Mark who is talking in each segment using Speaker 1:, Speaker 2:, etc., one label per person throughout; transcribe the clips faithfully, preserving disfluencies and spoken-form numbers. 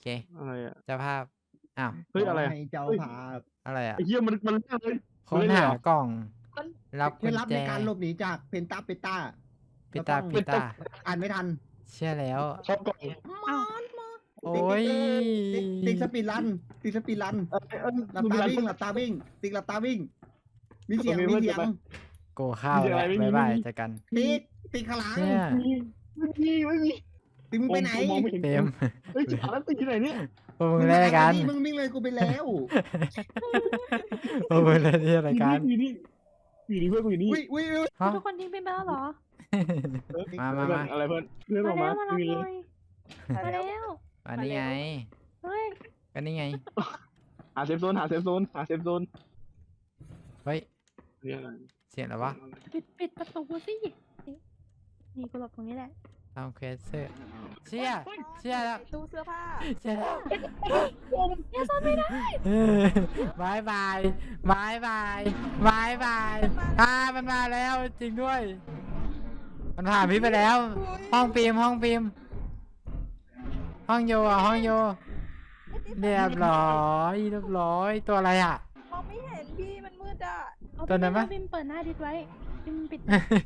Speaker 1: เค
Speaker 2: อะไรอ่ะ
Speaker 1: เจ้าภาพอ้าว
Speaker 2: เฮ้ยอะไร
Speaker 3: ให้เจ้าภาพ
Speaker 1: อะไรอ่ะ
Speaker 2: ไอ้เหี้ยมันมันเรื่องเลย
Speaker 1: ค้นหากล่องรับ
Speaker 3: เค
Speaker 1: กุ
Speaker 3: ล็ด
Speaker 1: ญ
Speaker 3: ลับ
Speaker 1: แจ
Speaker 3: ในการหลบหนีจากเพนตาเปต้า
Speaker 1: ปิตาปิตา
Speaker 3: อ่านไม่ทัน
Speaker 1: เชื่อแล้ว
Speaker 2: ชอบกล่อง
Speaker 3: มอนมอน
Speaker 1: โอ้ย
Speaker 3: ติ๊กสปีดรันติ๊กสปีดรัน
Speaker 2: เออเออ
Speaker 3: หลับตาวิ่งหลับตาวิ่งติ๊กหลับตาวิ่ง มีเสียงมีเสียง
Speaker 1: กูเข้าแล้วบ๊ายบายเจอกัน
Speaker 3: ติ๊กติ๊กขางหลัง
Speaker 1: เนี่ย
Speaker 2: ไม่มีไม่มี
Speaker 3: ติ๊กมึงไปไหน
Speaker 2: มองไม่เห็น
Speaker 1: เต็ม
Speaker 2: เฮ้ยจ๋าแล้วตีที่ไหนเนี่ย
Speaker 1: พวกมึงเล่นอะไรกัน
Speaker 3: มึงวิ่งเลยกูไปแล้ว
Speaker 1: พวกมึงเล่นที่อะไรกัน
Speaker 2: อยู่นี่อยู่นี่เพื่อนกูอยู่นี่
Speaker 3: อุ้ยอุ้ยอุ้ย
Speaker 1: ฮะ
Speaker 4: ทุกคนทิ้งไปแล้วเหรอ
Speaker 1: มามามา
Speaker 2: อะไรเพื่อนเพื่อนอ
Speaker 4: มา
Speaker 2: อก
Speaker 4: แล้
Speaker 2: มาว
Speaker 4: มารับ
Speaker 2: มี
Speaker 4: ห
Speaker 2: เล
Speaker 4: น่อย ยมาแล้ว
Speaker 1: อันนี้ไง
Speaker 4: เฮ้ย
Speaker 1: ก็นี่ไง
Speaker 2: หาเซฟโซนหาเซฟโซนหาเซฟโซน
Speaker 1: เฮ้ย
Speaker 2: เนี่ยอะไร
Speaker 1: เสียงอะไรวะ
Speaker 4: ปิดปิดประตูสินี่กูหลบตรงนี้แหละ
Speaker 1: ทำเควสเซอร์เชี่ยเชี่ยแล้ว
Speaker 5: ตู้เสื้อผ้า
Speaker 1: เชี่ยแล้ว
Speaker 4: เนี่ยซ่อนไม่ได้
Speaker 1: เออบายบายบายบายบายบายอ่ามันมาแล้วจริงด้วย มันผ่านพี่ไปแล้ว ห้องปีมห้องปีมห้องโยอ่ะห้องโยเรียบร้อยเรียบร้อยตัวอะไรอ่ะ
Speaker 5: มองไม่เห็นพี่มันมืดอ่ะ
Speaker 4: เอา
Speaker 1: ตัวนั้นปะ
Speaker 4: บิมเปิดหน้าดิสไว้บิมปิด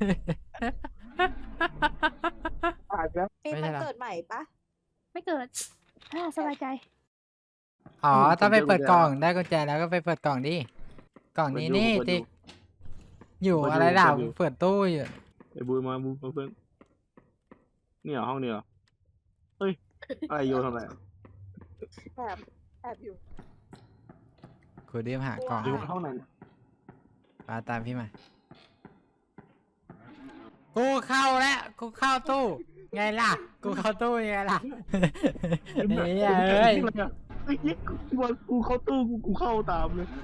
Speaker 2: ผ่านแล้ว
Speaker 5: ปี
Speaker 1: ไม่
Speaker 5: มั
Speaker 1: ใช่
Speaker 5: น
Speaker 1: หรอ
Speaker 5: เกิดใหม่ปะ
Speaker 4: ไม่เกิดอ่าสบายใจ
Speaker 1: อ๋อต้องไปเปิดกล่องได้กุญแจแล้วก็ไปเปิดกล่องดิกล่องนี้นี่ติ๊กอยู่อะไรล่ะเปิดตู้อยู่
Speaker 2: ไอ้บูมาบูมาเพื่อนนี่เหรอห้องนี้เหรอเฮ้ยอะไรโยทำอะไร
Speaker 5: แอบแอบอยู่
Speaker 1: คุณดิมหากล่อง
Speaker 2: อยู่ห้องไหน
Speaker 1: มาตามพี่มากูเข้าแล้วกูเข้าตู้ไงล่ะกูเข้าตู้ยังไงล่ะเฮ้ยเอ้ย
Speaker 2: ไอ้เหี้ยกูว่ากูเข้าตู้กูกูเข้าตามเลย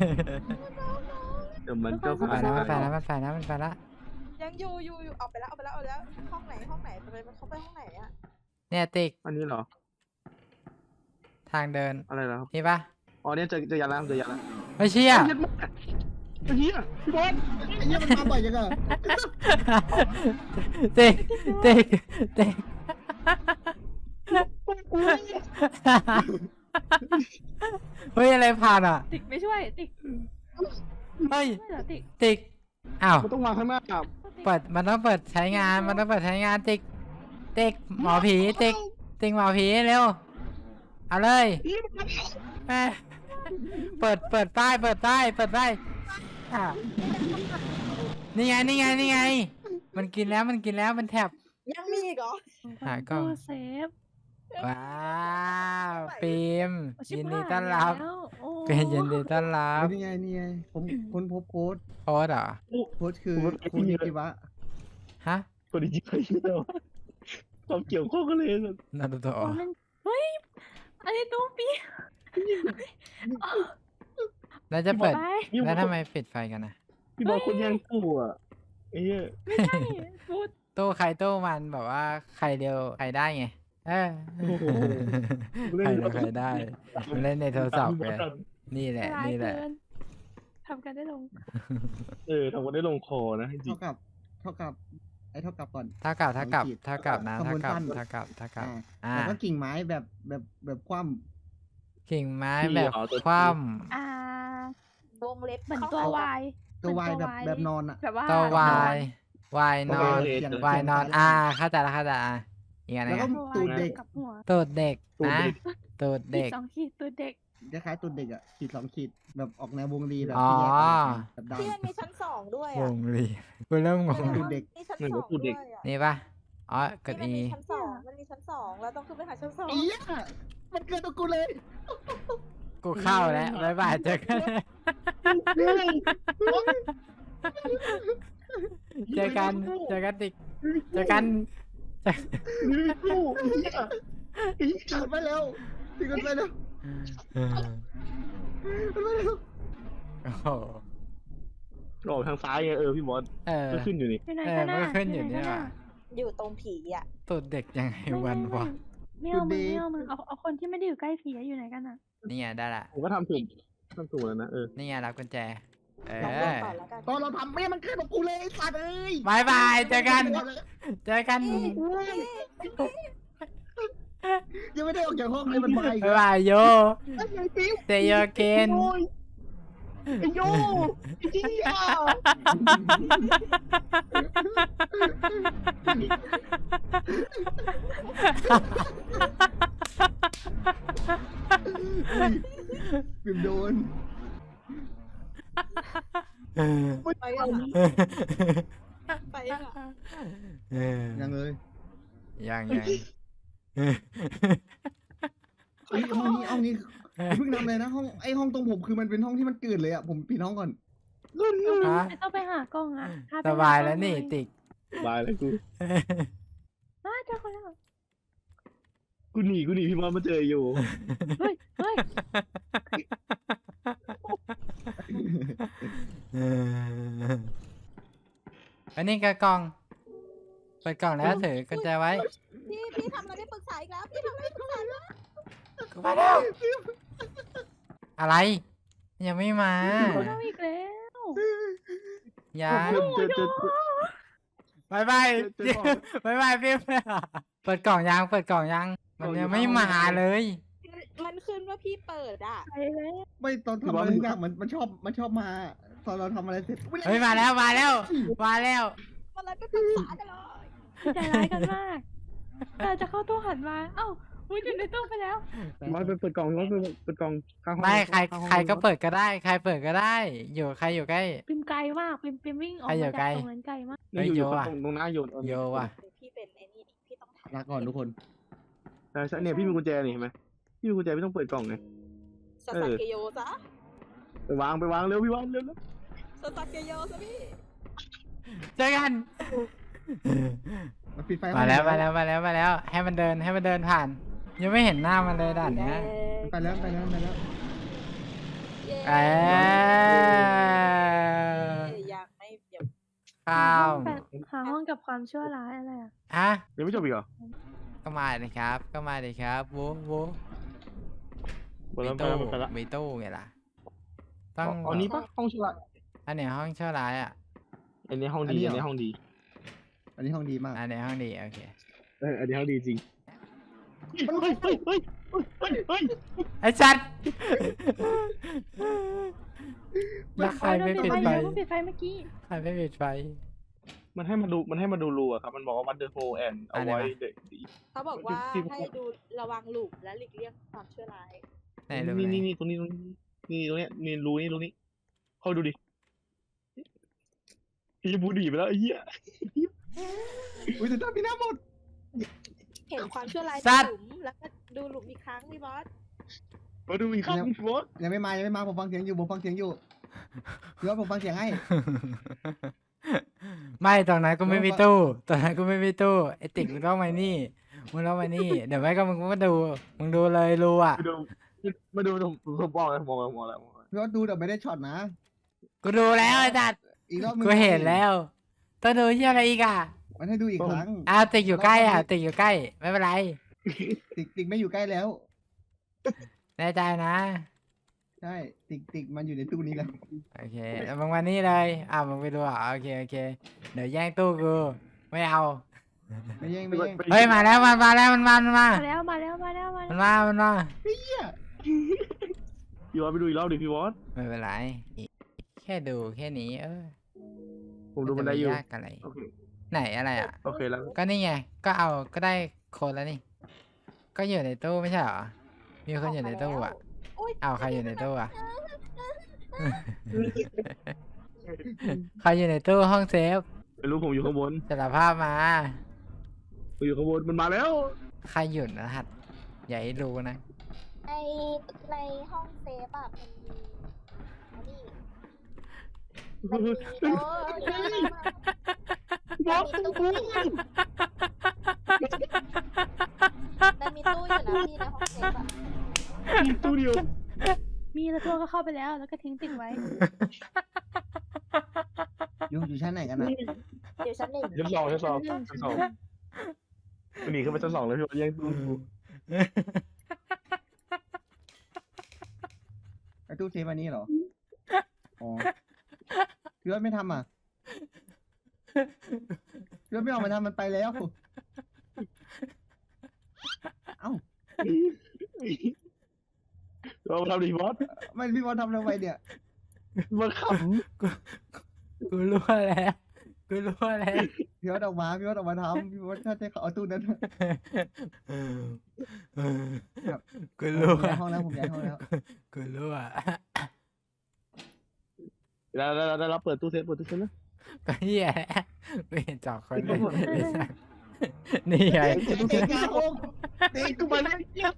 Speaker 2: เดี๋ยวมันก็
Speaker 1: มันไปแล้วมันไปแล้วมันไปแล้วมันไปแล้ว
Speaker 5: ยังอยู่อยู่อยู่ออกไปแล้วออกไปแล้วออกไปแล้วห้องไหนห้องไหนไปมันเขาไปห้องไหนอ่ะ
Speaker 1: เนี่ยติ๊ก
Speaker 2: อันนี้เหรอ
Speaker 1: ทางเดิน
Speaker 2: อะไรเหรอครับ
Speaker 1: นี่ปะ
Speaker 2: อ๋อเนี่ยเจอเจอยันแล้วเจอยันแล้ว
Speaker 1: ไม่เชี่ย
Speaker 2: ไอ้เหี้ยพี่บอล
Speaker 3: ไอ้เหี้ยมันมาบ่อยจังอะ
Speaker 1: ติ๊กติ๊กติ๊กเฮ้ยอะไรผ่านอ่ะ
Speaker 4: ติ๊กไม่ช่วยติ๊ก
Speaker 1: เฮ้ย
Speaker 4: ไม่เหรอติ๊ก
Speaker 1: ติ๊กอ้าว
Speaker 2: มันต้องวางข้างหน้าครับ
Speaker 1: เปิดมันต้องเปิดใช้งานมันต้องเปิดใช้งานติ๊กติ๊กหมอผีติ๊กติ๊กหมอผีเร็วเอาเลยแม่เปิดเปิดป้ายเปิดป้ายเปิดป้ายอ่ะนี่ไงนี่ไงนี่ไง มันกินแล้วมันกินแล้วมันแทบ
Speaker 5: ยังมีอีกเหรอ
Speaker 1: หากล้อง
Speaker 4: ตู้เซฟ
Speaker 1: ว้าวฟิล์ม
Speaker 4: ชิบ
Speaker 1: ยินดี
Speaker 4: หาย
Speaker 1: ต้อนรับ
Speaker 4: แล้วโอ้
Speaker 1: เป็นยินดีต้อนรับ
Speaker 3: นี่ไงนี่ไงผมค้นพบโค้ด
Speaker 1: โค้ดเหรอ
Speaker 3: โค้ดคือคุณนิติวะ
Speaker 1: ฮะ
Speaker 2: คนดีใจเยอะความเกี่ยวข้องกันเลย
Speaker 1: นารูโตะ
Speaker 4: โอ้มันเฮ้ยอันนี้ตู้ปี
Speaker 1: แล้วจะเปิด
Speaker 4: ไป
Speaker 1: แล้วทำไมปิดไฟกันนะ
Speaker 2: พี่บอลคนยังกู้อ่ะไอ้เหี้ย
Speaker 4: ไม่ใช่พูด
Speaker 1: ตู้ใครตู้มันแบบว่าใครเดียวใครได้ไงเออใครเดียวใครได้มันเล่นในโทรศัพท์ไงนี่แหละ
Speaker 4: ร้าย
Speaker 1: นี่แหละ
Speaker 4: เกินทำกันได้ลง
Speaker 2: เออทำกันได้ลงคอนะจริง
Speaker 3: เท่ากับ เท่ากับ ไอ้เท่ากับก่อน
Speaker 1: เท่ากับเท่ากับ
Speaker 3: ขีด
Speaker 1: เท่ากับนะ
Speaker 3: ขบ
Speaker 1: เท่า
Speaker 3: วน
Speaker 1: กับ
Speaker 3: สั้น
Speaker 1: เท่ากับเท่ากับ
Speaker 3: อ่า
Speaker 1: อ่า
Speaker 3: แล้วก็กิ่งไม้แบบแบบแบบคว่
Speaker 1: กิ่งไม้แบบคว่
Speaker 4: อ่าว
Speaker 5: งเล็บ
Speaker 4: เหมือนตัววาย
Speaker 3: ำตัววายแบบแบบนอนอะ
Speaker 4: แบบว่า
Speaker 1: ำตัววายวายนอน
Speaker 3: เขียน
Speaker 1: วายนอนอ่าเข้าใจละเข้าใจอ่ะอีกอันหนึ
Speaker 3: แล้ว
Speaker 1: ง
Speaker 3: ก็
Speaker 1: อะ
Speaker 3: ตูดเด็ก
Speaker 4: กับหัว
Speaker 1: ตูดเด็กนะตูด
Speaker 4: เด็
Speaker 1: เด็
Speaker 4: ก
Speaker 1: ก
Speaker 4: สองขีดตัวเด็ก
Speaker 3: คล้ายๆตูดเด็กอะขีดสองขีดแบบออกแนววงรีแบบ
Speaker 1: อ๋อ
Speaker 3: ที่แยกกันแบบ
Speaker 5: ที่
Speaker 3: ดำ
Speaker 5: มันมีชั้นสองด้วย
Speaker 1: ว
Speaker 5: อ่ะ
Speaker 1: งลีกูเริ่มงง
Speaker 3: ตูดเด็ก
Speaker 5: มีชั้นสองด้วยอ่ะ
Speaker 1: นี่ปะอ๋อกด
Speaker 5: นี่มัน
Speaker 1: อี
Speaker 5: มีชั้นสองมันมีชั้นสองแล้วต้องขึ้นไปหาชั้นสอง
Speaker 3: เอี้ยมันเกิดตัวกูเลย
Speaker 1: กูเข้าแล้วบ๊ายบายเจอกันเจอกันเจอกันติ๊กเจอกันเจอ
Speaker 2: นี่กู้ไอ้เหี้ย
Speaker 3: ติดไปแล้วติดกันไปแล้ว
Speaker 1: เออ
Speaker 3: ติดไปแล้ว
Speaker 1: โอ้โห
Speaker 2: ออกทางซ้ายไงเออพี่บอล
Speaker 1: เออ
Speaker 2: ก็ขึ้นอยู่นี่
Speaker 4: อยู่ไหน
Speaker 1: เออ
Speaker 4: กัน
Speaker 1: มัน
Speaker 4: น่ะ
Speaker 1: ก็ขึ้นอยู่นี่ว่ะ
Speaker 5: อยู่ตรงผีอ่ะ
Speaker 1: ตูดเด็กยังไงวันวะ
Speaker 4: ไม่เอามึงไม่เอามึงเอาเอาคนที่ไม่ได้อยู่ใกล้ผีอยู่ไหนกันอ่ะ
Speaker 1: นี่ไงได้ละ
Speaker 2: ผมก็ทำถูกทำถูกแล้วนะเออ
Speaker 1: นี่ไงรับกุญแจเอ
Speaker 5: ลองเดิน
Speaker 1: อ
Speaker 5: ก่อนแล้วกัน
Speaker 3: ตอนเราทำไม่มันเกิดตัวกูเลยไอ้สัตว์เอ้ย
Speaker 1: บายบายเจอกันเจอกัน
Speaker 3: ยังไม่ได้ออกจากห้องเลยมันมาอีก
Speaker 1: บ๊ายบายโย
Speaker 3: ไอ้ไอ้ปิ๊ว
Speaker 1: See you again
Speaker 3: โอ้ยไอ้โยไอ้เจี๊ยอุ้ยปิ่มโดน
Speaker 5: ไปกันไปกัน
Speaker 3: ยังเลย
Speaker 1: ยังยัง
Speaker 3: ไอ้ยห้องนี้ห้องนี้อย่าเพิ่งนำเลยนะห้องไอ้ห้องตรงผมคือมันเป็นห้องที่มันเกิดเลยอ่ะผมปิดห้องก่อน
Speaker 1: ฮะ
Speaker 4: ไม่ต้องไปหากล้องอ่ะพไป
Speaker 1: สบายแล้วนี่
Speaker 4: หากล้องหอย
Speaker 1: ติ๊ก
Speaker 2: บายเลยกู
Speaker 4: อ้าวเจอคนแล้ว
Speaker 2: กูหนีกูหนีพี่มอสมาเจออยู่
Speaker 4: เฮ้ยเฮ้ย
Speaker 1: อันนี้กระกล่อง เปิดกล่องแล้วถือกุญแจไว้
Speaker 5: พี่พี่ทำอะไรไม่ปรึกษาอีกแล้วพี่ทำอะไรไม่ปรึกษาแล้ว
Speaker 1: กูมาแล้ว อะไร ยังไม่มา
Speaker 4: เราอีกแล้ว
Speaker 1: ยัง
Speaker 2: เจอเจอเจอบ
Speaker 1: ายบาย
Speaker 2: เจอของ
Speaker 1: บายบายพี่เปิดกล่องยัง เปิดกล่องยัง มันยังไม่มาเลย
Speaker 5: มันขึ้นว่าพี่เปิดอ่ะ
Speaker 4: ไปแล้ว
Speaker 3: ไม่ตอนทำอะไรทุกอย่างมันมันชอบมันชอบมาตอนเราทำอะไรเสร็จ
Speaker 1: เฮ้ยมาแล้วมาแล้วมาแล้ว
Speaker 5: อะไรไม่ปรึกษากันเลย
Speaker 4: ใจร้ายกันมากเราจะเข้าตู้หันมาเอ้าอุ้ยอยู่ในตู้ไปแล้ว
Speaker 2: พี่มอสไปเปิดกล่องพี่มอสไปเปิดกล่องข้างห้อง
Speaker 1: ไม่ใคร
Speaker 2: ข้างห้อง
Speaker 1: ใครก็เปิดก็ได้ ใครเปิดก็ได้ อยู่ใครอยู่ใกล้
Speaker 4: ปิมไกลมากปิมปิมวิ่งออก
Speaker 1: ใครอ
Speaker 4: มา
Speaker 1: ยู่
Speaker 4: จาก
Speaker 1: ไกล
Speaker 4: ตรงนั้นไกลมาก
Speaker 2: เนี่ยอยู่อยู่
Speaker 1: เฮ้ยโยอะ
Speaker 2: ตรงตรงหน้าโยน
Speaker 1: โยว่ะ
Speaker 5: พี่เป็นไอ้นี่พี่ต้องทำ
Speaker 3: ลาก่อนทุกคน
Speaker 2: ใช่ใช่เนี่ยพี่มีกุญแจนี่เห็นไหมพี่มีกุญแจพี่ต้องเปิดกล่องไง
Speaker 5: สซาเกโยซะ
Speaker 2: ไปวางไปวางเร็วพี่วางเร็วเร็ว
Speaker 5: สซาเกโยซะพี่
Speaker 1: เจอกัน
Speaker 3: มันปิดไฟ
Speaker 1: มาแล้วมาแล้วมาแล้วมาแล้ว ให้มันเดินให้มันเดินผ่าน ยังไม่เห็นหน้ามันเลยด่านเนี้ย
Speaker 3: ไปแล้วไปแล้วไปแล้ว
Speaker 1: เออ
Speaker 5: ยังไม่เดี๋ยว
Speaker 1: ข้าว
Speaker 4: หาห้องกับความชั่วร้ายอะไรอ่ะ
Speaker 1: ฮะ
Speaker 2: ยังไม่จบอีกเหรอ
Speaker 1: ก็มาเลยครับ ก็มาเลยครับวูวู
Speaker 2: หมด
Speaker 1: มี
Speaker 2: แล้วไป
Speaker 1: ตู้
Speaker 2: แล้วหมดไปแล้ว
Speaker 1: มีตู้ไงล่ะ ต้อง
Speaker 2: อ๋อนี้ปะห้องชั่วร้าย
Speaker 1: อันเนี้ยห้องชั่วร้ายอ่ะ
Speaker 2: อันนี้ห้องดีอันนี้ห้องดี
Speaker 3: อันนี้ห้องดีมาก
Speaker 1: อันเนี้ยห้องดีโอเค
Speaker 2: เอออันนี้ห้องดีจริงเฮ้ยเฮ้ยเฮ้ยเฮ้ยเฮ้ย
Speaker 1: ไอ้ชัดแล้วใครไม่ปิดไฟ
Speaker 4: เพิ่งปิดไฟเมื่อกี้
Speaker 1: ใครไม่ปิดไฟ
Speaker 2: มันให้มาดูมันให้มาดูรูอะครับมันบอกว่า วัดเดอร์โฮแอนเอาไว้เด็ก
Speaker 5: เขาบอกว่าให้ดูระวังหลุมและหลีกเลี่ยงความชั่วร้าย
Speaker 1: ไหนรู้
Speaker 2: นี่
Speaker 1: ไหม
Speaker 2: นี่นี่ตรงนี้ตรงนี้นี่ตรงเนี้ยนี่รูนี่รูนี้เข้าดูดิพี่บูดีไปแล้วไอ้เหี้ย
Speaker 3: อุ้ยแต่ตาพี่น้าหมด
Speaker 5: เห็นความชั่วร้ายในหลุมแล้วก็ดูหลุมอีกครั้งพี่บอส
Speaker 2: มาดูอีกครั้งพี่บอส
Speaker 3: ยังไม่มายังไม่มาผมฟังเสียงอยู่ผมฟังเสียงอยู่พี่ว่าผมฟังเสียงให้
Speaker 1: ไม่ตรงนั้นก็ไม่มีตู้ตรงนั้นก็ไม่มีตู้ไอติ๊กมึงต้องมานี่มึงต้องมานี่ เดี๋ยวไม่ก็มึงก็มาดูมึงดูเลยรู้อ่ะ
Speaker 2: มาดูมาดูผมผมบอกเลยมองแล้วมองแล้วมองแล้ว
Speaker 3: พี่ว่าดูแต่ไม่ได้ช็อตนะ
Speaker 1: กูดูแล้วไอ้จัด
Speaker 3: อีกรอบนึง
Speaker 1: กูเห็นแล้วต้องดูที่อะไรอีกอ่ะ
Speaker 3: มันให้ดูอีกครั้ง
Speaker 1: อ้าวติ๊กอยู่ใกล้อ่ะติ๊กอยู่ใกล้ไม่เป็นไร
Speaker 3: ติ๊กติ๊กไม่อยู่ใกล้แล้ว
Speaker 1: แน่ใจนะ
Speaker 3: ใช่ติ๊กติ๊กมันอยู่ในตู้นี้แล้ว
Speaker 1: โอเคแล้วมึงมานี่เลยอ่ะมึงไปดูอ่ะโอเคโอเคเดี๋ยวแย่งตู้กูไม่เอา
Speaker 3: ไม่แย่งไม่แย่ง
Speaker 1: เฮ้ยมาแล้วมันมาแล้วมันมามันมา
Speaker 4: มาแล้วมาแล้วมาแล้วมา
Speaker 1: มัน
Speaker 4: แล้ว
Speaker 1: มามันมา
Speaker 2: พี่บอสไปดูอีกรอบดิพี่บอส
Speaker 1: ไม่เป็นไรแค่ดูแค่นี้เออ
Speaker 2: ผมดูมันได้อยู่
Speaker 1: จะยากอะไร
Speaker 2: โอเค
Speaker 1: ไหนอะไรอ่ะ
Speaker 2: โอเคแล้ว
Speaker 1: ก็นี่ไง ก็เอา ก็ได้โคนแล้วนี่ ก็อยู่ในตู้ไม่ใช่เหรอ มีคนอยู่ในตู้อ่ะ เอาใครอยู่ในตู้อ่ะ ใครอยู่ในตู้ห้องเซฟ
Speaker 2: ไม่รู้ผมอยู่ข้างบน
Speaker 1: สารภาพมา
Speaker 2: ผมอยู่ข้างบนมันมาแล้ว
Speaker 1: ใครหยุดรหัสอย่าให้รู้นะ
Speaker 6: ในในห้องเซฟอะมันมีอันนี้มันมีโอ้ยมันมีตู้มันมีตู้อยู่นะพี่ในห้องเซฟอะ
Speaker 2: มีตู้เดียว
Speaker 4: มีแล้วตัวก็เข้าไปแล้วแล้วก็ทิ้งติ๊กไว้
Speaker 3: อยู่อยู่ชั้นไหนกันนะ
Speaker 6: เดี๋ยวชั้นหนึ่ง
Speaker 2: ชั้นสองชั้นสองชั้นสองหนีขึ้นไปชั้นสองเลยพี่บอสแย่งตู้กู
Speaker 3: ไอ้ตู้เซฟอันนี้เหรออ๋อพี่ว่าไม่ทำอ่ะพี่ว่าไม่ออกมาทำมันไปแล้วเอ้า
Speaker 2: เราทำดีบอส
Speaker 3: ไม่พี่บอลทำทำไมเนี่ย
Speaker 2: มันข
Speaker 1: กูรู้แล้วกูรู้แล้ว
Speaker 3: พี่บอลออกมาพี่บอลออกมาทำพี่บอลถ้าจะเอาตู้นั้น
Speaker 1: กูรู้
Speaker 3: ผมย้ายห้องแล้วผมย้ายห้องแล้ว
Speaker 1: กูรู้อ่ะ
Speaker 2: ำแล้วแล้วแล้วเราเปิดตู้เซฟเปิดตู้เซฟนะ
Speaker 1: ก็เหี้ยกูเห็นจอกคนเลยนี่ไง
Speaker 3: เด็กยาห้อง
Speaker 2: เด็กกูมาได้เยี่ยม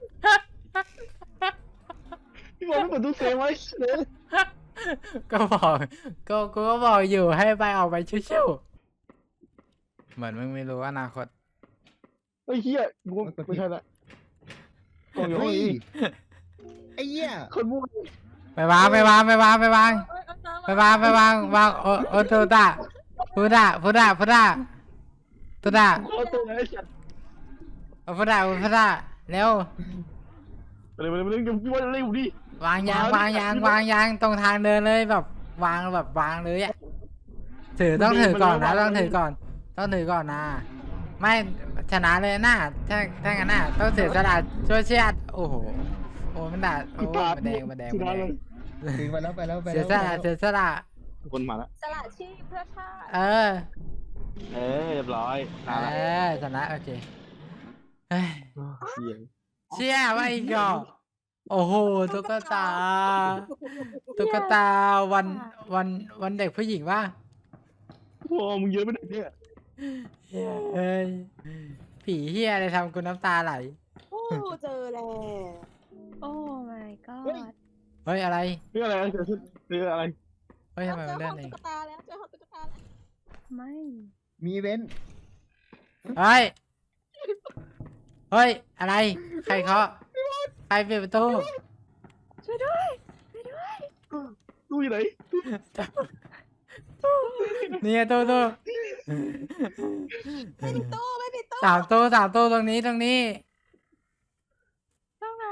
Speaker 2: พี่บอลไม่เปิดตู้เซฟไว้เลย
Speaker 1: ก็บอกก็กูก็บอกอยู่ให้ไปออกไปชิวๆเหมือนมึงไม่รู้อนาคต
Speaker 2: ไอ้เหี้ยกูไม่ใช่ละกองอยู่ห้อง
Speaker 3: เฮ้ย
Speaker 2: นี้
Speaker 3: ไอ้เหี้ย
Speaker 2: คนมั่ว
Speaker 1: ไปวางไปวางไปวางไปวางไปวางไปวางวางโอโอโตตะพุดะพุดะพุดะพุดะ
Speaker 2: เอาตัวไหนสัตว์
Speaker 1: เอาพุดะพุดะเร็ว
Speaker 2: อะไรมาเรื่องพี่บอลเร็วดิ
Speaker 1: วางยางวางยางวางยางตรงทางเดินเลยแบบวางแบบวางเลยอะถือต้องถือก่อนนะต้องถือก่อน ต้องถือก่อนนะไม่ชนะเลยนะถ้าถ้างั้นน่ะต้องเสียสละช่วยเชียดโอ้โหโอ้มันด่าโอ้มันแดงมันแดงมันแดง
Speaker 3: ถึงไปแล้วไปแล้วไป
Speaker 1: เสี
Speaker 3: แล้
Speaker 1: ยว สละเสียสละ
Speaker 2: คนมาแล้ว
Speaker 5: สละชีพเพื่อชาติ
Speaker 1: เออ
Speaker 2: เออเรียบร้อย
Speaker 1: เอ
Speaker 2: ตายละ
Speaker 1: อชนะโอเคเฮ้ย
Speaker 2: เสียง
Speaker 1: เชี่ยว่าอีกเหรอโอ้โหตุ๊กตาตุ๊กตาวันวันวันเด็กผู้หญิงว่า
Speaker 2: โอ้มึงเยอะไปไหนเนี่ย
Speaker 1: เฮ้ยผีเฮียอะไรทำกูน้ำตาไหล
Speaker 5: โอ้เจอแล้ว
Speaker 4: โอ้ my god
Speaker 1: เฮ้ยอะไร
Speaker 2: เรื่องอะไรเกิดขึ้นเรื่องอะไร
Speaker 1: เฮ้ยทำไม
Speaker 5: เจ
Speaker 1: มั
Speaker 5: อน
Speaker 1: เลื่
Speaker 5: ห้
Speaker 1: อ
Speaker 5: อน ง
Speaker 1: เอง
Speaker 5: ตุ๊กตาแล้วเจอห้องตุ๊กตาแล้ว
Speaker 4: ไม่
Speaker 3: มีเว้น
Speaker 1: เฮ้ยเฮ้ยอะไรใครเคาะใครปิดประตู
Speaker 4: ช่วยด้วยช่วยด้วย
Speaker 2: ตู้อยู่ไหน
Speaker 1: นี่ไงตู้ตู้
Speaker 5: ไม่ปิดตู้ไม่ปิดตู้
Speaker 1: สามตู้สามตู้ตรงนี้ตรงนี้
Speaker 4: ตรงไหน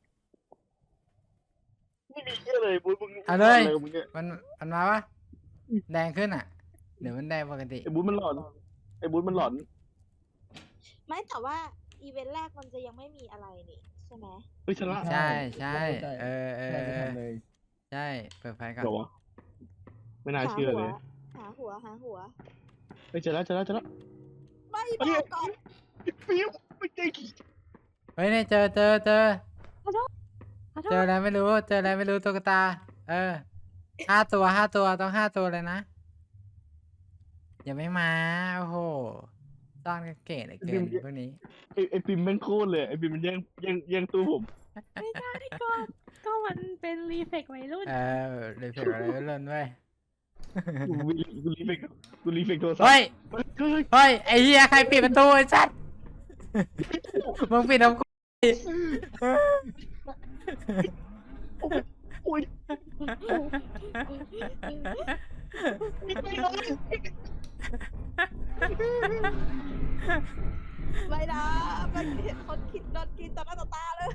Speaker 2: ไม่มีเหี้ยเลยบุญมึง
Speaker 1: เอาเลย
Speaker 2: อะไรของมึงเนี่ย
Speaker 1: มันมันมาวะแดงขึ้นอ่ะเดี๋ยวมันแดงปกติ
Speaker 2: ไอ้บุญมันหลอนไอ้บุญมันหลอน
Speaker 5: ไม่แต่ว่าอีเวนต์แรกมันจะยังไม่มีอะไรนี่ใช่ไหม
Speaker 2: เฮ้ยชนะ
Speaker 1: ใช่ใช่เออเออ
Speaker 3: ใช่
Speaker 1: เออ
Speaker 3: ทำเลย
Speaker 1: ใช่เปิดไฟก่อน
Speaker 2: เดี๋ยววะไม่น่าเชื่อเลย
Speaker 5: หาหัวหาหัว
Speaker 2: เฮ้ยเจอแล้วเจอแล้วเจอแล้ว
Speaker 5: ไม่บอกก่อน
Speaker 2: ฟิวไม่เจ๊กี่
Speaker 1: เฮ้ยเนี่ยเจอเจอเจอ
Speaker 4: ขอโทษขอโท
Speaker 1: เจอ
Speaker 4: ษ
Speaker 1: อะไรไม่รู้ เจออะไรไม่รู้ตุ๊กตา เออ ห้าตัวห้าตัวต้องห้าตัวเลยนะอย่าไม่มา โอ้โหซ่อนกันเก๋เหลือเกินพวกนี้
Speaker 2: ไอ้ไอ้ปิมแม่งโคตรเลยไอ้ปิมมันแย่งแย่งแย่งตู้ผม
Speaker 4: ไม่ได้ก็ก็มันเป็นรีเฟกวัยรุ่น
Speaker 1: เออเลยเผ็ดอะไรก็เล่นด้วย
Speaker 2: กูรีกูรีเฟกกูรีเฟกโทรศัพท์
Speaker 1: เฮ้ย
Speaker 2: เฮ้ย
Speaker 1: เฮ้ย ไอ้เหี้ยใครปิดประตูไอ้สัตว์ มึงปิดน้ำกู
Speaker 2: โอ้ย
Speaker 5: ไม่นะมันเห็นคนคิดโดนกินต่อหน้าต่อตาเลย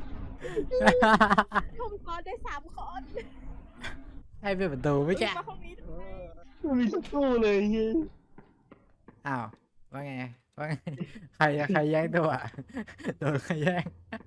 Speaker 5: ผมกอนได้สามคน
Speaker 1: ให้ปิดประตูไม่แก
Speaker 5: มาห้องนี้ทำไม
Speaker 2: ไม่มีสักตู้เลยเฮ้ย
Speaker 1: อ้าว ว่าไง ว่าไง ใครใครแย่งตัวโดนใครแย่ง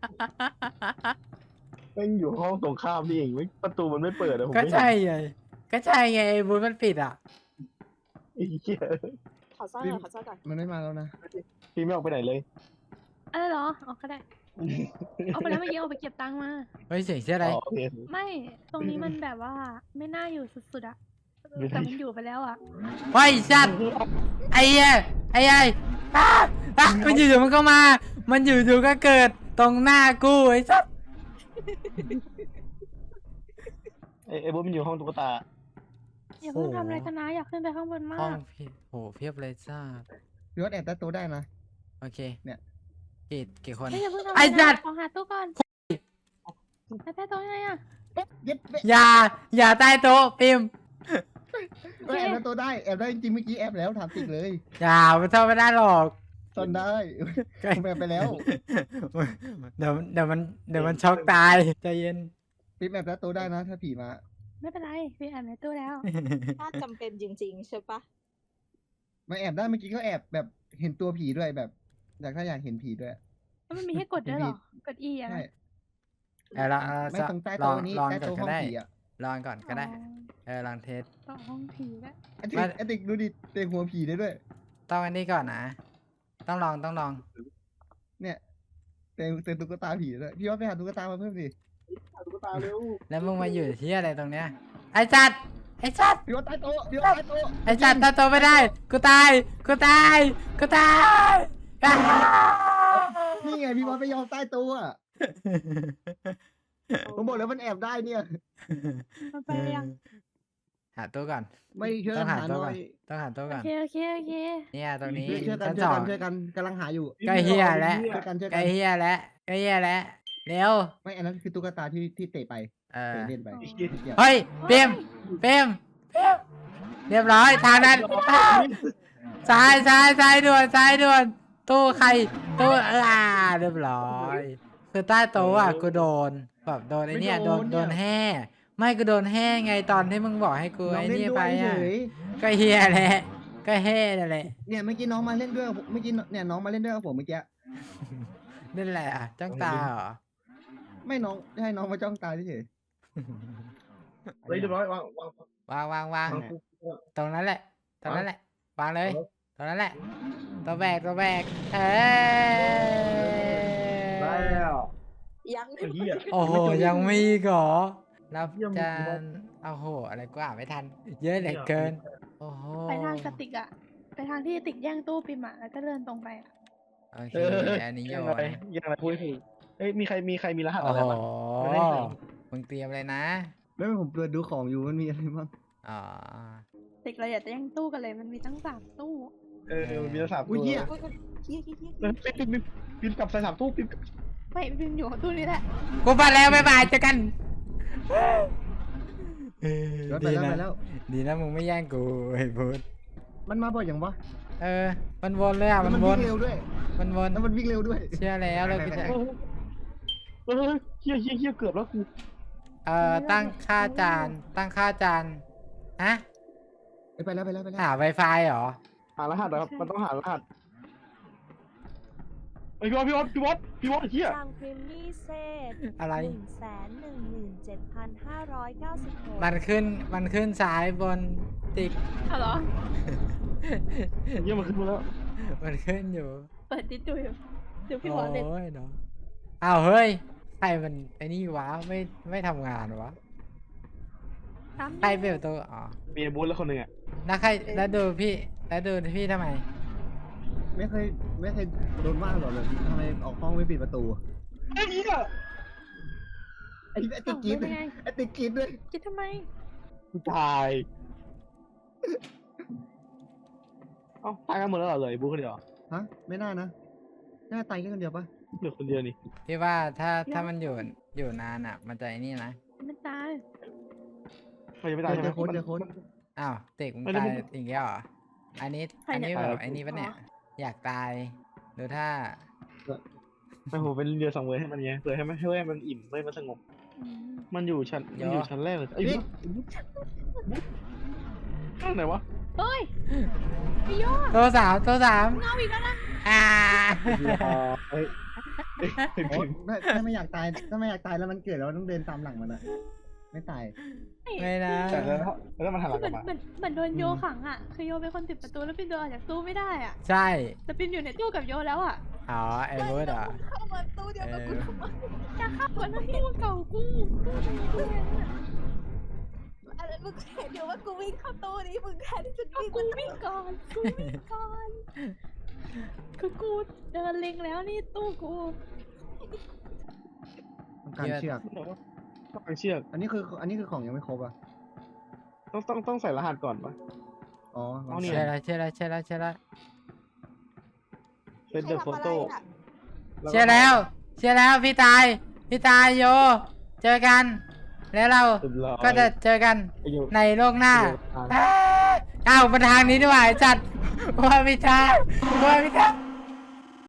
Speaker 2: แม่งอยู่ห้องตรงข้ามนี่เองไม่ประตูมันไม่เปิดอะผม
Speaker 1: ก็
Speaker 2: ไม่เห็น
Speaker 1: ใช่ไง ก็ใช่ไงไอ้บูธมันปิดอ่ะ
Speaker 2: ไอ้เหี้ย
Speaker 5: ขอซ่อนก่อนขอซ่อนก่อน
Speaker 3: มันไม่มาแล้วนะ
Speaker 2: พี่ไม่ออกไปไหนเลย
Speaker 4: อะไรเหรอเอาก็ได้ เอาไปแล้วเมื่อกี้เอาไปเก็บตังค์มา
Speaker 1: เฮ้ยเสียงเชื่ออะไร
Speaker 2: อ๋อโอเค
Speaker 4: ไม่ ตรงนี้มันแบบว่าไม่น่าอยู่สุดๆอะแต่มันอยู่ไปแล้วอะ
Speaker 1: เฮ้ยสัตว์ไอ้เหี้ยไอ้ไอ้อ้าอ้ามันอยู่ๆมันก็มา มันอยู่ๆก็เกิดตรงหน้ากูไอ้สัตว์
Speaker 2: ไอ้ไอ้บุ๊มันอยู่ห้องตุ๊กตา
Speaker 4: อย่าเพิ่งทำอะไรกันนะอยากขึ้นไปข้างบนมา
Speaker 1: ห้อง
Speaker 4: ก
Speaker 1: พี่โหเพียบเลยจ้า
Speaker 3: พี่ว่าแอบใต้โต๊ะได้นะ
Speaker 1: โอเค
Speaker 3: เนี่ย
Speaker 1: กี่กี่คน
Speaker 4: เฮ้ยอย่าเพิ่งทำ
Speaker 1: ไอ้
Speaker 4: อะไร
Speaker 1: สั
Speaker 4: นะ
Speaker 1: ตว์
Speaker 4: ขอหาตู้ก่อนไปใต้โต๊ะยังไงอะ
Speaker 3: เย็ดเว้ย
Speaker 1: อย่า อย่าใต้โต๊ะปิม
Speaker 3: แอบใต้โต๊ะได้แอบได้จริงๆเมื่อกี้แอบแล้วถามติกเลย
Speaker 1: อย่ามันทำไม่ได้หรอก
Speaker 3: ตอนได้ผมแอบไปแล้ว
Speaker 1: เดี๋ยวเดี๋ยวมันเดี๋ยวมันช็อกตายใจเย็น
Speaker 3: ปิ๊บแอบใต้โต๊ะได้นะ ถ้าผีมา
Speaker 4: ไม่เป็นไรพี่แอบในตู้แล้ว
Speaker 5: ถ้าจำเป็นจริงๆใช่ปะ
Speaker 3: มาแอบได้เมื่อกี้ก็แอบแบบเห็นตัวผีด้วยแบบ อยากถ้าอยากเห็นผีด้วย
Speaker 4: แล้วมันมีให้กดด้วยเหรอ กด E อะ
Speaker 3: ใช่
Speaker 4: นะ
Speaker 1: เออลอง
Speaker 3: ไม่
Speaker 1: จะ
Speaker 3: ตรงใต้
Speaker 1: ล
Speaker 3: โต๊ะ
Speaker 1: อง
Speaker 3: นี้
Speaker 1: ลอง
Speaker 3: ใต้
Speaker 1: ก่อน
Speaker 3: โต๊ะ
Speaker 1: ก็
Speaker 3: ห้อง
Speaker 1: ได้
Speaker 3: ผีอ่ะ
Speaker 1: ลองก่อนก็ได้ เออลองเทส
Speaker 4: ต่อห้องผีแล้ว
Speaker 3: ไอ้ติ๊
Speaker 1: ไม่
Speaker 3: กไอ้ติ๊กดูดิเตะหัวผีได้ด้วย
Speaker 1: ต้องอันนี้ก่อนนะ ต้องลองต้องลอง
Speaker 3: เนี่ยเตะเตะตุ๊กตาผีด้วยพี่ว่าไปหาตุ๊กตามาเพิ่มสิ
Speaker 2: ตุ๊กตาเร็ว
Speaker 1: แล้วมึงมาอยู่ที่อะไรตรงเนี้ย ไอ้จัด ไอ้จัด
Speaker 3: พี่ว่าใต้โต๊ะพี่ว่าใต้โต๊ะ
Speaker 1: ไอ้จัดตาโตไม่ได้ กูตาย กูตาย กูตายอ้าว
Speaker 3: นี่ไงพี่ว่าไปยอมใต้โต๊ะอะผมบอกแล้วมันแอบได้เนี่ย
Speaker 4: มันไปยัง
Speaker 1: หาตัวก่อน
Speaker 3: ไม่ช่วย
Speaker 1: ต้
Speaker 3: กั
Speaker 1: อน งหา
Speaker 3: หา
Speaker 1: ตัว
Speaker 3: หน่
Speaker 1: ก่
Speaker 3: อ
Speaker 1: อน
Speaker 3: ย
Speaker 1: ต้องหาตัว
Speaker 4: โอ
Speaker 1: ก่อน
Speaker 4: เคโอเคโอเค
Speaker 1: เนี่ยตรงนี้
Speaker 3: ช่วยช่วยกัน
Speaker 1: ชั้น
Speaker 3: ช่วย
Speaker 1: สอ
Speaker 3: กั
Speaker 1: ง
Speaker 3: นช่วยกันกำลังหาอยู่
Speaker 1: ใกล้เฮียแล้ว
Speaker 3: ช่วยกันช่วย
Speaker 1: ใก
Speaker 3: กั
Speaker 1: ล้
Speaker 3: น
Speaker 1: เฮียแล้วใกล้เฮียแล้ว เร็ว
Speaker 3: ไม่อันนั้นคือตุ๊กตาที่ที่เตะไป
Speaker 1: เออ
Speaker 3: เตะเล่นไป
Speaker 4: อ๋อ
Speaker 3: เกี่ยว
Speaker 1: เฮ้ยเปรมเปรมเปรมเรียบร้อยทางนั้นซ้ายซ้ายซ้ายด่วนซ้ายด่วน ตู้ใคร ตู้เออเรียบร้อย คือใต้โต๊ะอ่ะกูโดนแบบโดนไอ้เนี่ยโดนโดนแห่ไม่กูโดนแห่ไงตอนที่มึงบอกให้กู
Speaker 3: น้อง
Speaker 1: ไอ้
Speaker 3: เล่น
Speaker 1: นี่
Speaker 3: ด้ว
Speaker 1: ไป
Speaker 3: ยเฉ
Speaker 1: อ่ะ
Speaker 3: ย
Speaker 1: ก็เฮียแหละก็แห่นั่นแหละ
Speaker 3: เนี่ยเมื่อกี้น้องมาเล่นด้วยกับผมเมื่อกี้เนี่ยน้องมาเล่นด้วยกับผมเมื่อกี้
Speaker 1: นั่นแหละอ่ะจ้องตาเหรอ
Speaker 3: ไม่น้องให้น้องมาจ้องตาเฉย
Speaker 2: เฮ้ยเรียบร้อยวางวาง
Speaker 1: วางวางวาง
Speaker 2: วางปุ๊บ
Speaker 1: ตรงนั้นแหละ ตรงนั้นแหละ วางเลย ตรงนั้นแหละ ตัวแบกตัวแบกเอ
Speaker 2: ได้
Speaker 1: อ
Speaker 2: แล้ว
Speaker 5: ยัง
Speaker 2: ไอ้เหี้ย
Speaker 1: โอ้โห ยังมีอีกเหรอรับ
Speaker 2: เยี่ยม
Speaker 1: จานโอ้โห อะไรกว่าไม่ทัน เยอะเหลือเกิน โอ้โห
Speaker 4: ไปทางกระติกอะไปทางที่ติกแย่งตู้ปิมอะแล้วก็เดินตรงไปอะ
Speaker 1: โอเค
Speaker 2: เออ
Speaker 1: อันนี้โย
Speaker 2: ยัง
Speaker 1: น
Speaker 2: ไงยังไงพูดให้ถูกเอ้ยมีใครมีใครมีรหัส
Speaker 1: โอ้
Speaker 2: อะไร
Speaker 1: โห
Speaker 2: บ้าง ไม่ได้ใส่
Speaker 1: มึงเตรียมเลยนะ
Speaker 3: ๆไม่ผมเปิดดูของอยู่มันมีอะไรบ้าง
Speaker 1: อ๋อ
Speaker 4: ติกเราอยากจะแย่งตู้กันเลยมันมีตั้งสามตู้
Speaker 2: เออมีรหัส
Speaker 3: อุ้ยเหี้ย
Speaker 5: อุ๊ยอุ๊ยเฮียเฮียเฮีย
Speaker 2: เออปิ๊บปิ๊บปิ๊บปิ๊บกลับใส่สามตู้ปิ๊บ
Speaker 4: ไม่ปิมอยู่ของตู้นี้แหละ
Speaker 1: กูไปแล้วบ๊ายบายเจอกันเออ
Speaker 3: เดี๋ยวไป
Speaker 1: ดี
Speaker 3: แล้ว
Speaker 1: นะ
Speaker 3: ไปแล้ว
Speaker 1: ดีนะมึงไม่แย่งกูไอ้พุทธ
Speaker 3: มันมาบ่อยอย่างวะ
Speaker 1: เออ มันวนเลยอ่ะ
Speaker 3: แล้ว
Speaker 1: มัน
Speaker 3: มัน
Speaker 1: ว
Speaker 3: วิ่
Speaker 1: น
Speaker 3: งเร็วด้วย
Speaker 1: มันวน
Speaker 3: แล้วมันวิ่งเร็วด้วย
Speaker 1: เชื่อแล้วเลยกูจะ
Speaker 2: เออเออเฮียเฮียเฮียเกือบแล้วกู
Speaker 1: เอ่อ ตั้งค่าจาน ตั้งค่าจาน ฮะ
Speaker 3: เอ้ยไปแล้วไปแล้วไปแล้ว
Speaker 1: หา Wi-Fi เหรอ
Speaker 2: หารหัสเหรอมันต้องหารหัสไอ้พี่วอดพี่วอดพี่วอดพี่วอดเฮีย
Speaker 7: ทางพรีมี่เซต
Speaker 1: อะไร
Speaker 7: หนึ่งแสนหนึ่งหมื่นเจ็ดพันห้าร้อยเก้าสิบหก
Speaker 1: มันขึ้น มันขึ้นซ้ายบนติ๊ก
Speaker 4: เอาเหรอ
Speaker 2: เฮียมันขึ้นมาแล้ว
Speaker 1: มันขึ้นอยู่
Speaker 4: เปิดดิสดูอยู่ดูพี่บอลเล่น
Speaker 1: โอ้ยเนาะอ้าวเฮ้ย ใครมันไอ้นี่วะ ไม่ ไม่ทำงานวะ
Speaker 4: ตาม
Speaker 1: ใครเปลี่ยนตัวอ๋อ
Speaker 2: มีไอ้บูธแล้วคนหนึ่งอ่ะ
Speaker 1: แล้วใคร แล้วดูพี่ แล้วดูพี่ทำไม
Speaker 3: ไม่เคยไม่เคยโดนว่าหรอกเลยทำไมออกห้องไม่ปิดประตู
Speaker 2: ไอ้เหี้ย
Speaker 3: ไอ้ไอ้ติ๊กกรีด
Speaker 4: เป็นไง
Speaker 3: ไอ้ติ๊กกรีดด้วย
Speaker 4: คิดทำไม
Speaker 2: กูตายเอ้าตายกันหมดแล้วเหรอเลยบูธคนเดียว
Speaker 3: ฮะไม่น่านะน่าตายแค่คนเดียวปะ
Speaker 2: เหลือคนเดียวนี่
Speaker 1: พี่ว่าถ้าถ้ามันอยู่อยู่นานอ่ะ มันจะไอ้นี่นะ
Speaker 4: ไม่ตาย
Speaker 2: มันยังไม่ตายใช่ไหม
Speaker 3: เจอโค้ดเจอโค้ด
Speaker 1: อ้าวเตกมึง
Speaker 2: ไม่ได้
Speaker 1: ตาย
Speaker 2: ไม่ได้
Speaker 1: อีกแล้วเหรอ อันนี้
Speaker 4: ใคร
Speaker 1: อัน
Speaker 4: เนี่ย
Speaker 1: นี้แบบ
Speaker 2: ตาย
Speaker 1: ไอ้นี่ปะเนี่ย อยากตายดูถ้า
Speaker 2: ไม่ผมเป็นเรือสังเวยให้มันไงเพื่อให้มันให้มันอิ่มให้มันสงบ
Speaker 4: อืม
Speaker 2: มันอยู่ชั้นมันอยู่ชั้นแรกเลยไอ้บุ๊ข้างไหนวะ
Speaker 4: เฮ้ยพี่ยอด
Speaker 1: ตัวสามตัวสาม
Speaker 4: เงาอีกแล้วนะ
Speaker 1: อ่า
Speaker 2: เฮ้ย
Speaker 3: โอ๊ยถ้าถ้าไม่อยากตายถ้าไม่อยากตายแล้วมันเกิดแล้วต้องเดินตามหลังมันอะไม่ตาย
Speaker 1: ไม่นะ
Speaker 2: แต่แล้วแล้วมันหันหลัง
Speaker 4: เห
Speaker 2: ก
Speaker 4: มื
Speaker 2: ลั
Speaker 4: อน
Speaker 2: บมา
Speaker 4: เหมือนเหมือนโดนโยขังอ่ะ คือโยเป็นคนปิดประตูแล้วปินโดนออกจากตู้ไม่ได้อ่ะ
Speaker 1: ใช่
Speaker 4: แต่ปินอยู่ในตู้กับโยแล้วอ่ะ
Speaker 1: อ๋อไอ้เวิร์ดเหรอ
Speaker 5: เข้ามาตู้เดียวกับกูทำไม
Speaker 4: จะเข้ากันนั่นตู้เก่ากูตู้ตรงนี้ตู้นั้นอ่ะ
Speaker 5: อะไรมึงเห็นเดี๋ยวว่ากูวิ่งเข้าตู้นี้มึงแทนที่จะ
Speaker 4: ก็
Speaker 5: วิ่ง
Speaker 4: กูวิ่งก่อนกูวิ่งก่อนคือกูเดินเล็งแล้วนี่ตู้กู
Speaker 3: ต้องการเชือก
Speaker 2: ต้องเชือก
Speaker 3: อันนี้คืออันนี้คือของยังไม่ครบอ่ะ
Speaker 2: ต้องต้องต้องใส่รหัสก่อนปะ
Speaker 3: อ๋อ
Speaker 2: เอานี่
Speaker 1: เชื่อแล้วเชื่อแล้วเชื่อแล้วเชื่อแล้ว
Speaker 2: เป็นเดอะโฟโต้
Speaker 1: เชื่อแล้วเชื่อแล้วพี่ตาย พี่ตายโย เจอกัน แล้วเราก็จะเจอกันในโลกหน้าอ้าวอ้าวมาทางนี้ดีกว่าไอ้จัดว่าไม่ใช่ว่าไม่ใช่